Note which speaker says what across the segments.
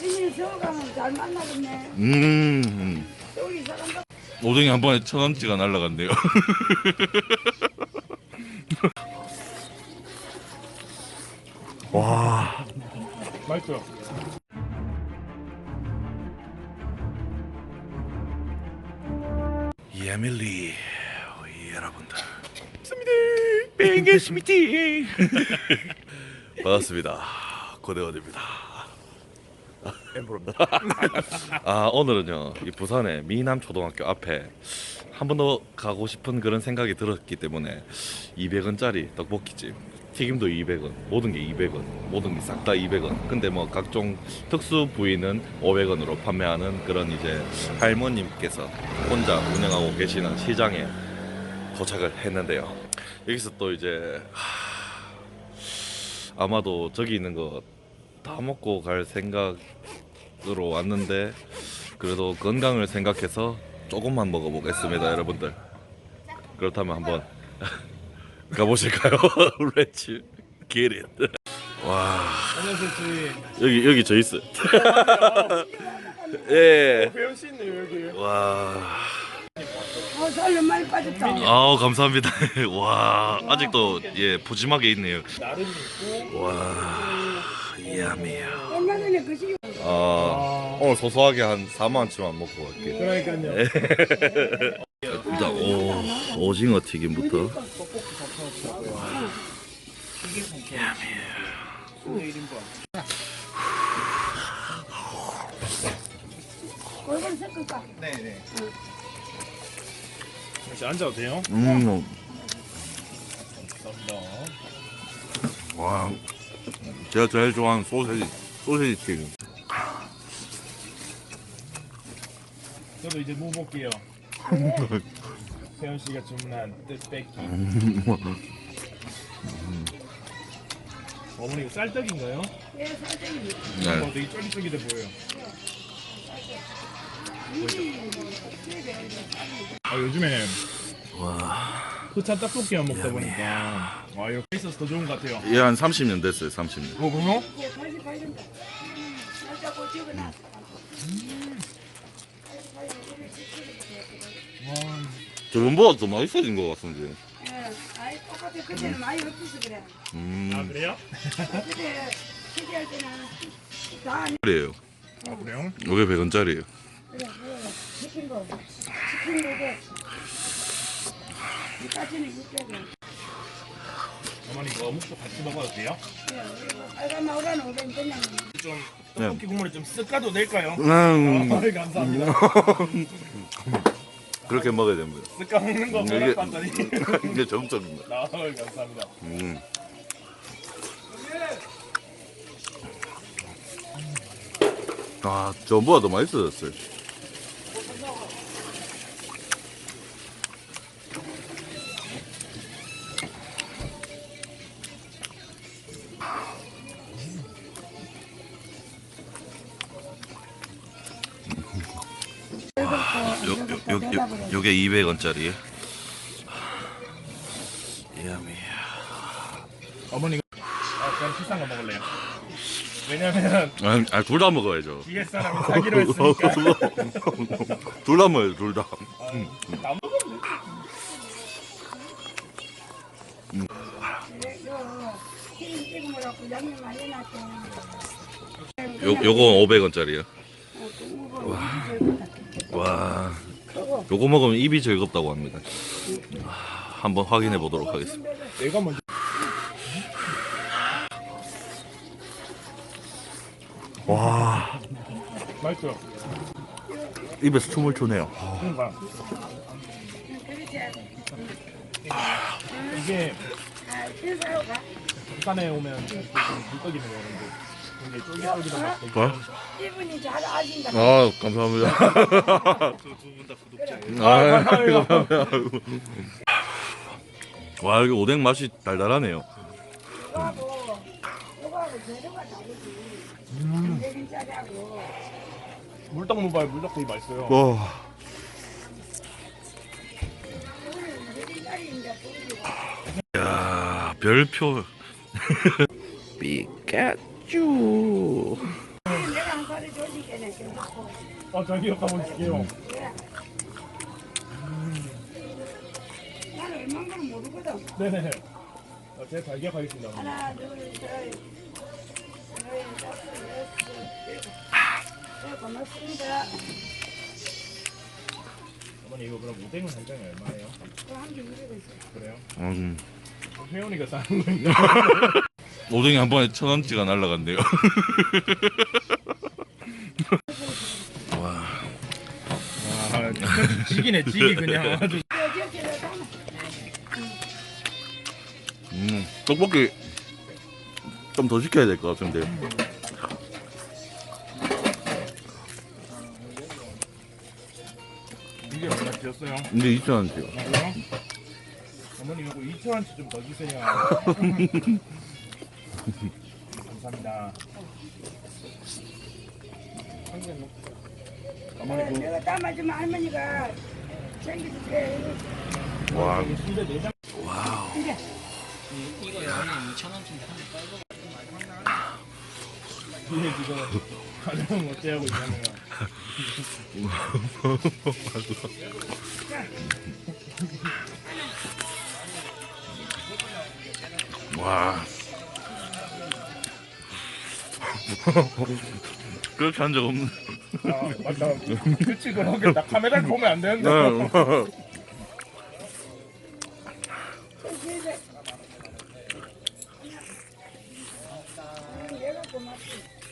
Speaker 1: 나중에 서울 가면 잘 만나겠네. 서울이 사람
Speaker 2: 오뎅이 한 번에 1,000원치가 날라갔네요. 와,
Speaker 3: 맛있어요.
Speaker 2: 예밀리 여러분들 반갑습니다. 반갑습니다. 고대원입니다. 엠브로입니다. 아, 오늘은요 이 부산의 미남초등학교 앞에 한 번 더 가고 싶은 그런 생각이 들었기 때문에 200원짜리 떡볶이집, 튀김도 200원, 모든 게 200원, 모든 게 싹 다 200원. 근데 뭐 각종 특수 부위는 500원으로 판매하는 그런 이제 할머님께서 혼자 운영하고 계시는 시장에 도착을 했는데요. 여기서 또 이제 아마도 저기 있는 거 다 먹고 갈 생각으로 왔는데 그래도 건강을 생각해서 조금만 먹어보겠습니다, 여러분들. 그렇다면 한번 가보실까요? Let's get it. 와,
Speaker 3: 안녕하세요, 주인.
Speaker 2: 여기 저 있어. 예.
Speaker 3: 배우 씨 있네요, 여기.
Speaker 2: 와.
Speaker 1: 살도 많이 빠졌다.
Speaker 2: 아우, 감사합니다. 와, 아직도 예 푸짐하게 있네요.
Speaker 3: 나름 있고.
Speaker 2: 와, 야미야.
Speaker 1: 얼마 전에 그 시기
Speaker 2: 오늘 소소하게 한 4만원치만 먹고 갈게요.
Speaker 3: 그러니까요.
Speaker 2: 일단 오징어 튀김부터.
Speaker 1: 골반 섞을까?
Speaker 3: 네네. 혹시 앉아도 돼요?
Speaker 2: 음.
Speaker 3: 감사합니다.
Speaker 2: 와, 제가 제일 좋아하는 소세지 튀김.
Speaker 3: 저도 이제 무 볼게요. 세현 씨가 주문한 뜻뺏기. 어머니 이거 쌀떡인가요?
Speaker 1: 예, 사장님.
Speaker 2: 네.
Speaker 3: 되게 쫄깃쫄깃해 보여요. 요즘에
Speaker 2: 와,
Speaker 3: 포찬 떡볶이만 먹다 보니까 이렇게 있어서 더 좋은 것 같아요.
Speaker 2: 얘 한 30년 됐어요, 30년.
Speaker 3: 그래요?
Speaker 1: 88년도. 날짜고 적어놨어.
Speaker 2: 저번보다 더 맛있어진 것 같은데.
Speaker 1: 예, 아이 똑같아. 그때는 많이 없어서 그래.
Speaker 3: 그래요?
Speaker 1: 그때 시기할 때는 다
Speaker 2: 그래요.
Speaker 3: 그래요?
Speaker 2: 이게 100원짜리예요.
Speaker 1: 그래, 시킨 거. 시킨 거고. 이까지는 600원.
Speaker 3: 어머니 이거 어묵도 같이 먹어도 돼요?
Speaker 1: 빨간 마우라는 500원 그냥.
Speaker 3: 좀 떡볶이 국물을 좀 쓱까도 될까요? 감사합니다.
Speaker 2: 그렇게 먹어야 됩니다.
Speaker 3: 쓱까 먹는 거
Speaker 2: 이게-
Speaker 3: 봤더니.
Speaker 2: 이게 정점입니다.
Speaker 3: 감사합니다.
Speaker 2: 아, 전보다 더 맛있어졌어요. 요게 200원짜리. 야미.
Speaker 3: 어머니 저는 비싼 거 먹을래요. 왜냐면
Speaker 2: 둘 다 먹어야죠.
Speaker 3: 뒤에 사람이 사기로 했으니까.
Speaker 2: 둘 다 먹어요, 둘 다.
Speaker 3: 다 먹으면
Speaker 2: 요건 500원짜리요. 와, 요거 먹으면 입이 즐겁다고 합니다. 한번 확인해 보도록 하겠습니다.
Speaker 3: 내가 먼저.
Speaker 2: 와,
Speaker 3: 맛있어요.
Speaker 2: 입에서 춤을 추네요.
Speaker 3: 그러니까 이게 부산에 오면 물떡이네요, 여러분들. 굉장히 쫄깃쫄깃한 맛.
Speaker 2: 뭐?
Speaker 1: 이분이 잘 아신다.
Speaker 2: 아, 감사합니다.
Speaker 3: 두분 다 구독자예요.
Speaker 2: 감사합니다. 와, 이거 오뎅 맛이 달달하네요.
Speaker 1: 이거하고 재료가 다르지. 100원짜리하고.
Speaker 3: 물떡무발 물떡 되게 맛있어요.
Speaker 2: 와,
Speaker 1: 100원짜리인데
Speaker 2: 야, 별표. 피카츄.
Speaker 1: 내가 그냥 가르쳐줄게네.
Speaker 3: 저기요 가보실게요.
Speaker 1: 그래. 나는 얼마나 걸 모르거든.
Speaker 3: 네네. 제가 발기하겠습니다.
Speaker 1: 하나, 둘, 셋, 넷, 다섯, 여섯, 일곱. 네, 고맙습니다.
Speaker 3: 어머니 이거 그럼 오뎅은 한 장에 얼마예요?
Speaker 1: 한개 이러고 있어.
Speaker 3: 그래요?
Speaker 2: 음.
Speaker 3: 회원이가 싸는 거니까.
Speaker 2: 오뎅이 한 번에 1,000원치가 날라간대요. 와.
Speaker 3: 지기네 지기 그냥 아주.
Speaker 2: 떡볶이 좀 더 시켜야 될 것 같은데.
Speaker 3: 이게 얼마 드렸어요?
Speaker 2: 근데 2,000원치요.
Speaker 3: 아, 그래요? 어머니 이거 2,000원치 좀 더 주세요. 감사합니다. 어머니
Speaker 1: 내가 담아주면 할머니가 챙겨줄게.
Speaker 2: 와.
Speaker 3: 이거 순대 4장.
Speaker 1: 이래.
Speaker 4: 이거 여기 2,000원쯤
Speaker 3: 이게 지금 가정 어째하고 있냐면
Speaker 2: 와. 그렇게 한 적 없는.
Speaker 3: 맞다. 그치 그러게 나 카메라를 보면 안 되는데.
Speaker 1: 내가 고맙지.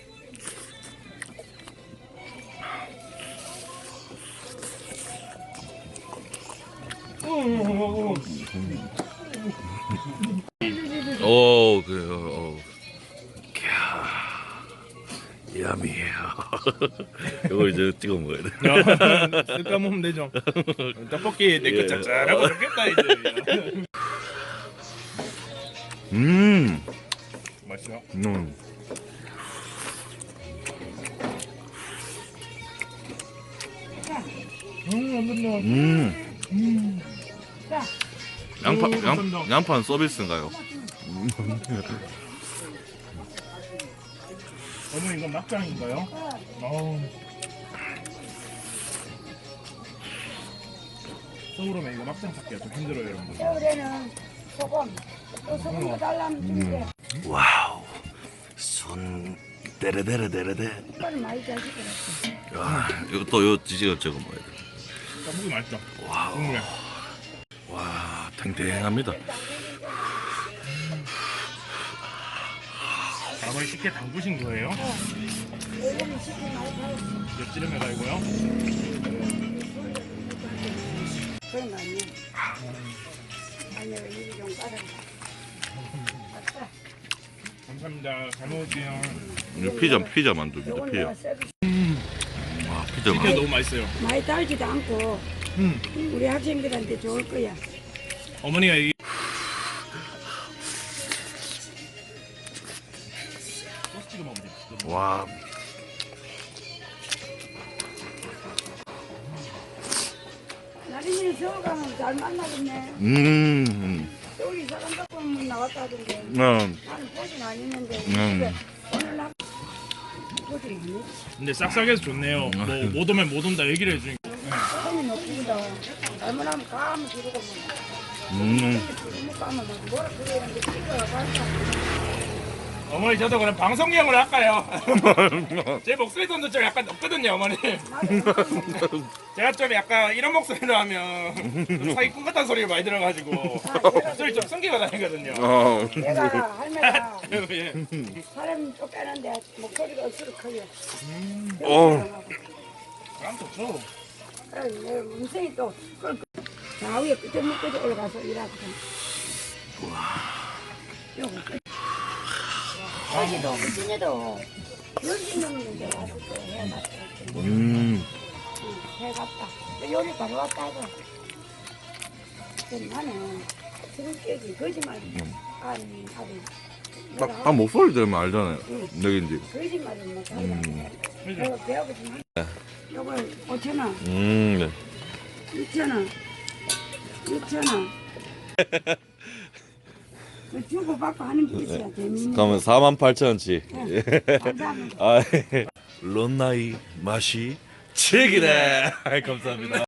Speaker 2: 오, 그래요. 야미해요. 이거 이제 찍어 먹어야 돼.
Speaker 3: 쓸까 먹으면 되죠. 떡볶이 내거
Speaker 2: 예.
Speaker 3: 짭짤하고 좋겠다 이제. 맛있어.
Speaker 1: 자,
Speaker 2: 양파는 서비스인가요?
Speaker 3: 어머니 이건 막장인가요? 어우. 서울 오면 이거 막장 찾기가 좀 힘들어요 여러분.
Speaker 1: 겨울에는 소금, 또 소금도 달라면 줄게.
Speaker 2: 와우. 손 데레데레데레데.
Speaker 1: 이거는 많이 자시더라고.
Speaker 2: 야, 이거 또 요 지지가 저거 뭐야 돼.
Speaker 3: 떡볶이 맛있죠?
Speaker 2: 와우.
Speaker 3: 국물에.
Speaker 2: 와, 탱탱합니다.
Speaker 3: 밥을 쉽게 담그신 거예요?
Speaker 1: 여기는 식이 많이 팔았어.
Speaker 3: 엿지름 해가지고요.
Speaker 1: 그런 거 아니야. 아니야, 일이 좀 빠르다. 맞다.
Speaker 3: 감사합니다. 잘 먹을게요.
Speaker 2: 이거 피자 만두입니다.
Speaker 1: 요건
Speaker 2: 피자.
Speaker 1: 내가 서비스.
Speaker 2: 와, 피자
Speaker 3: 이게
Speaker 2: 만두.
Speaker 3: 너무 맛있어요.
Speaker 1: 많이 달지도 않고 우리 학생들한테 좋을 거야.
Speaker 3: 어머니가 이 소스 찍어 먹으면 돼.
Speaker 2: 와.
Speaker 1: 나린이는 서울 가면 잘 만나겠네. 서울 이사 간다고 하면 나왔다 하던데. 나는 보진 않았는데. 집에 오늘 나 보진 않았지.
Speaker 3: 근데 싹싹해서 좋네요. 뭐 못 오면 못 온다 얘기를 해주니까.
Speaker 1: 소금이 높습니다. 잘못하면 가면 주르고 뭐 가면 막 뭐라 그러는데 찍어야 간다.
Speaker 3: 어머니 저도 그럼 방송용을 할까요? 제 목소리 톤도 좀 약간 높거든요 어머니. 제가 좀 약간 이런 목소리로 하면 좀 사기꾼 같은 소리가 많이 들어가지고 목소리 좀 숨기고 다니거든요.
Speaker 1: 내가 할매가
Speaker 3: 예.
Speaker 1: 사람 쫓겨는데 목소리가 억수로 커요.
Speaker 3: 안 좋죠.
Speaker 1: 내 음성이 또 좌우에 끝에 끝까지 올라가서 일하거든. 요거 거기도 무진에도 열심 넘는데 와서 또 해놨다. 해갔다. 요리 바로 왔다 이거. 나는 성격이 거짓말 아니
Speaker 2: 딱 목소리 들으면 알잖아요. 내긴지.
Speaker 1: 거짓말을 못하고 내가 배우고 싶은 요거 5,000원
Speaker 2: 네.
Speaker 1: 6,000원 6,000원 그 주고받고 하는 게 있어야 재밌는.
Speaker 2: 그러면 48,000원치.
Speaker 1: 감사합니다.
Speaker 2: 아, 런나이 맛이 책이네. 감사합니다.